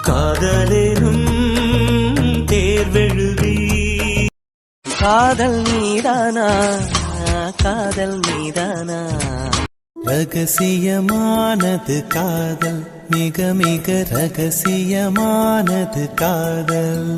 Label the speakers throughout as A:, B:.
A: காதலேனும் தேர்வெழுதி காதல் மீதானா காதல் மீதானா ரகசியமானது காதல் மிக மிக ரகசியமானது காதல்.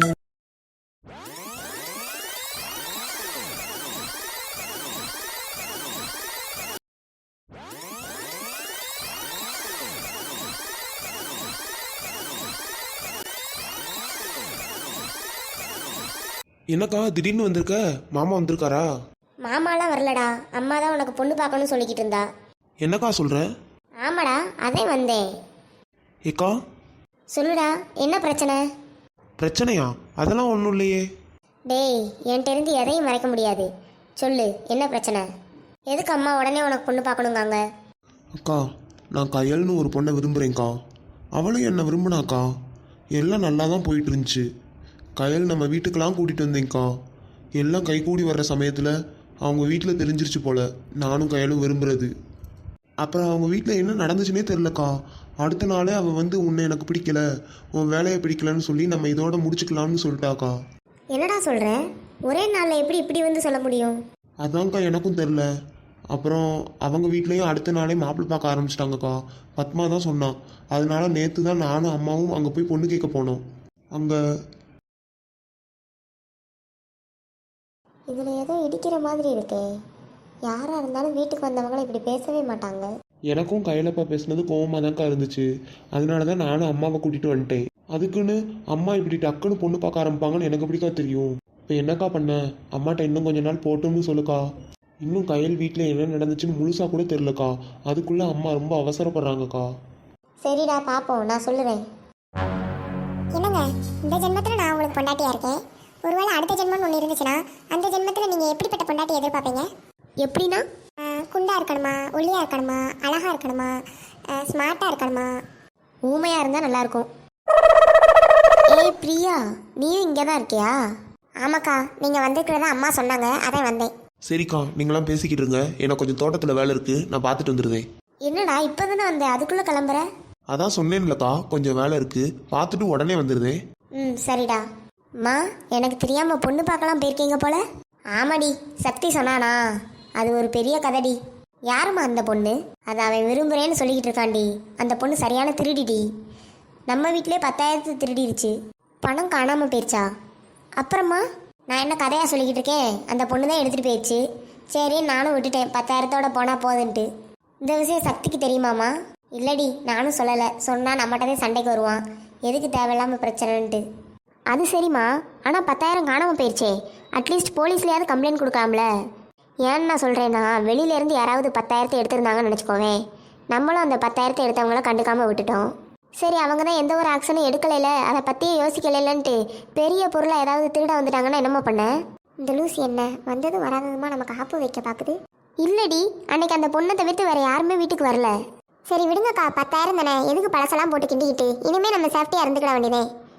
B: என்னக்கா திடீர்னு வந்திருக்க? மாமா வந்திருக்காரா?
C: மாமாலாம் வரலடா, அம்மா தான் உனக்கு பொண்ணு பார்க்கணும்னு சொல்லிக்கிட்டு இருந்தா.
B: என்னக்கா சொல்ற?
C: ஆமாடா, அதே வந்தேன்.
B: ஏக்கா
C: சொல்லுடா, என்ன பிரச்சனை?
B: பிரச்சனையா? அதெல்லாம் ஒன்றும் இல்லையே.
C: டேய், என்கிட்ட இருந்து எதையும் மறைக்க முடியாது. சொல்லு, என்ன பிரச்சனை? எதுக்கு அம்மா உடனே உனக்கு பொண்ணு பார்க்கணுங்காங்க?
B: அக்கா, நான் கயல்னு ஒரு பொண்ணை விரும்புகிறேன்க்கா. அவளும் என்னை விரும்பினாக்கா. எல்லாம் நல்லா தான் போயிட்டு இருந்துச்சு. கயல் நம்ம வீட்டுக்கெல்லாம் கூட்டிகிட்டு வந்தேங்க்கா. எல்லாம் கைகூடி வர்ற சமயத்தில் அவங்க வீட்டில் தெரிஞ்சிருச்சு போல் நானும் கயலும் விரும்புகிறது. அப்புறம் அவங்க வீட்டில் என்ன நடந்துச்சுன்னே தெரிலக்கா. அடுத்த நாளே அவள் வந்து உன்னை எனக்கு பிடிக்கல, உன் வேலையை பிடிக்கலன்னு சொல்லி நம்ம இதோட முடிச்சுக்கலாம்னு சொல்லிட்டாக்கா.
C: என்னடா சொல்கிற? ஒரே நாளில் எப்படி இப்படி வந்து சொல்ல முடியும்?
B: அதான்க்கா எனக்கும் தெரில. அப்புறம் அவங்க வீட்லேயும் அடுத்த நாளே மாப்பிள்ளை பார்க்க ஆரம்பிச்சிட்டாங்கக்கா. பத்மா தான் சொன்னான். அதனால நேற்று தான் நானும் அம்மாவும் அங்கே போய் பொண்ணு கேட்க போனோம். அங்கே
C: இதில் ஏதோ இடிக்கிற மாதிரி இருக்கே. யாராக இருந்தாலும் வீட்டுக்கு வந்தவங்களை இப்படி பேசவே மாட்டாங்க.
B: எனக்கும் கையிலப்பா பேசுனது கோவமாக தான்க்கா இருந்துச்சு. அதனால தான் நானும் அம்மாவை கூட்டிகிட்டு வந்துட்டேன். அதுக்குன்னு அம்மா இப்படி டக்குன்னு பொண்ணு பார்க்க ஆரம்பிப்பாங்கன்னு எனக்கு எப்படிக்கா தெரியும்? இப்போ என்னக்கா பண்ண? அம்மாட்ட இன்னும் கொஞ்ச நாள் போட்டோம்னு சொல்லுக்கா. இன்னும் கையல் வீட்டில் என்ன நடந்துச்சுன்னு முழுசாக கூட தெரிலக்கா. அதுக்குள்ளே அம்மா ரொம்ப அவசரப்படுறாங்கக்கா.
C: சரிடா, பார்ப்போம், நான் சொல்லுவேன்.
D: என்னங்க, இந்த ஜென்மத்தில் நான் உங்களுக்கு பொண்டாட்டியாக இருக்கேன். ஒருவேளை அடுத்த ஜென்மம்னு ஒன்று இருந்துச்சுன்னா அந்த ஜென்மத்தில் நீங்கள் எப்படிப்பட்ட பொண்டாட்டி எதிர்பார்ப்பீங்க?
C: எப்படின்னா?
D: குண்டா இருக்கணுமா, ஒல்லியாக இருக்கணுமா, அழகாக இருக்கணுமா, ஸ்மார்ட்டாக இருக்கணுமா?
C: ஊமையாக இருந்தால் நல்லாயிருக்கும். ஏய் பிரியா, நீயும் இங்கே தான் இருக்கியா?
D: ஆமாக்கா, நீங்கள் வந்திருக்கிறதா அம்மா சொன்னாங்க, அதான் வந்தேன்.
B: சரிக்கா, நீங்களாம் பேசிக்கிட்டு இருங்க. எனக்கு கொஞ்சம் தோட்டத்தில் வேலை இருக்குது, நான் பார்த்துட்டு வந்துடுவேன்.
C: என்னடா இப்போ தானே வந்தேன், அதுக்குள்ளே கிளம்புற?
B: அதான் சொன்னேன்லக்கா, கொஞ்சம் வேலை இருக்குது, பார்த்துட்டு உடனே வந்துடுதேன்.
C: சரிடா. அம்மா, எனக்கு தெரியாமல் பொண்ணு பார்க்கலாம் போயிருக்கீங்க போல? ஆமாடி, சக்தி சொன்னானா? அது ஒரு பெரிய கதைடி. யாரும்மா அந்த பொண்ணு? அதை அவன் விரும்புகிறேன்னு சொல்லிக்கிட்டு இருக்காண்டி. அந்த பொண்ணு சரியான திருடிடி. நம்ம வீட்டிலே 10,000 திருடிடுச்சு. பணம் காணாமல் போயிடுச்சா? அப்புறமா நான் என்ன கதையாக சொல்லிக்கிட்டு இருக்கேன்? அந்த பொண்ணு தான் எடுத்துகிட்டு போயிடுச்சு. சரி, நானும் விட்டுட்டேன், 10,000தோட போனால் போதுன்ட்டு. இந்த விஷயம் சக்திக்கு தெரியுமாம்மா? இல்லடி, நானும் சொல்லலை. சொன்னால் நம்மகிட்டதே சண்டைக்கு வருவான், எதுக்கு தேவையில்லாமல் பிரச்சனைன்ட்டு. அது சரிம்மா, ஆனால் 10,000 காணாமல் போயிடுச்சே. அட்லீஸ்ட் போலீஸ்லையாவது கம்ப்ளைண்ட் கொடுக்கலாம்ல? ஏன்னு நான் சொல்கிறேன்னா, வெளியிலேருந்து யாராவது 10,000 எடுத்திருந்தாங்கன்னு நினச்சிக்கோவேன். நம்மளும் அந்த 10,000 எடுத்தவங்கள கண்டுக்காமல் விட்டுட்டோம். சரி, அவங்க தான் எந்த ஒரு ஆக்ஷனும் எடுக்கலைல, அதை பற்றியே யோசிக்கலைன்ட்டு பெரிய பொருளை ஏதாவது திருட வந்துட்டாங்கன்னா என்னம்மா பண்ண?
D: இந்த லூசி என்ன வந்ததும் வராததுமா நமக்கு ஆப்பு வைக்க பார்க்குது.
C: இல்லடி, அன்னைக்கு அந்த பொண்ணை தவிர்த்து வேறு யாருமே வீட்டுக்கு வரல.
D: சரி விடுங்கக்கா, 10,000 தானே, எதுக்கு பழசெல்லாம் போட்டு கிண்டிக்கிட்டு? இனிமேல் நம்ம சேஃப்டியாக இருந்துக்கிட வேண்டியதே.